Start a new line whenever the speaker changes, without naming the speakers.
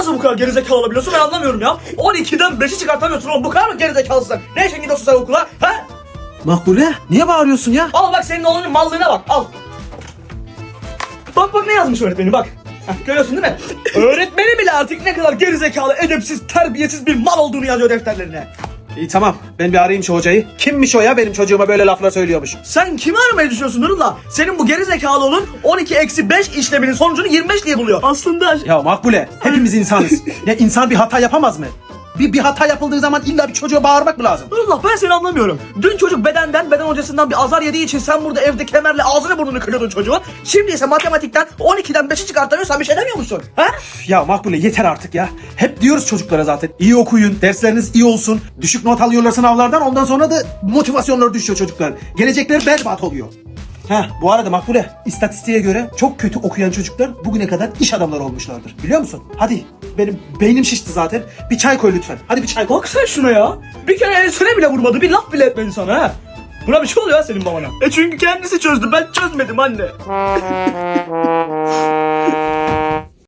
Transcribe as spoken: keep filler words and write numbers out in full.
nasıl bu kadar gerizekalı olabiliyorsun ben anlamıyorum ya. on ikiden beşi çıkartamıyorsun oğlum, bu kadar mı gerizekalısın? Ne için gidiyorsun sen okula? Ha?
Makbule niye bağırıyorsun ya?
Al bak senin oğlunun mallığına bak, al. Bak bak ne yazmış öğretmeni bak. Heh, görüyorsun değil mi? Öğretmeni bile artık ne kadar gerizekalı, edepsiz, terbiyesiz bir mal olduğunu yazıyor defterlerine.
İyi tamam, ben bir arayayım şu hocayı. Kimmiş o ya, benim çocuğuma böyle laflar söylüyormuş?
Sen kimi aramayı düşünüyorsun Nurullah? Senin bu gerizekalı oğlun on iki eksi beş işleminin sonucunu yirmi beş diye buluyor. Aslında...
Ya Makbule, hepimiz insanız. Ya insan bir hata yapamaz mı? Bir, bir hata yapıldığı zaman illa bir çocuğa bağırmak mı lazım?
Nurullah ben seni anlamıyorum. Dün çocuk bedenden, beden hocasından bir azar yediği için sen burada evde kemerle ağzını burnunu kırıyordun çocuğun. Şimdi ise matematikten on ikiden beşi çıkartamıyorsan bir şey demiyor musun? Ha?
Ya Makbule yeter artık ya. Hep diyoruz çocuklara zaten. İyi okuyun, dersleriniz iyi olsun. Düşük not alıyorlar sınavlardan, ondan sonra da motivasyonları düşüyor çocuklar. Gelecekleri berbat oluyor. Heh, bu arada Makbule, istatistiğe göre çok kötü okuyan çocuklar bugüne kadar iş adamları olmuşlardır. Biliyor musun? Hadi, benim beynim şişti zaten. Bir çay koy lütfen. Hadi bir çay koy.
Bak sen şuna ya. Bir kere ensene bile vurmadı, bir laf bile etmedi sana ha. Buna bir şey oluyor ha senin babana. E çünkü kendisi çözdü, ben çözmedim anne.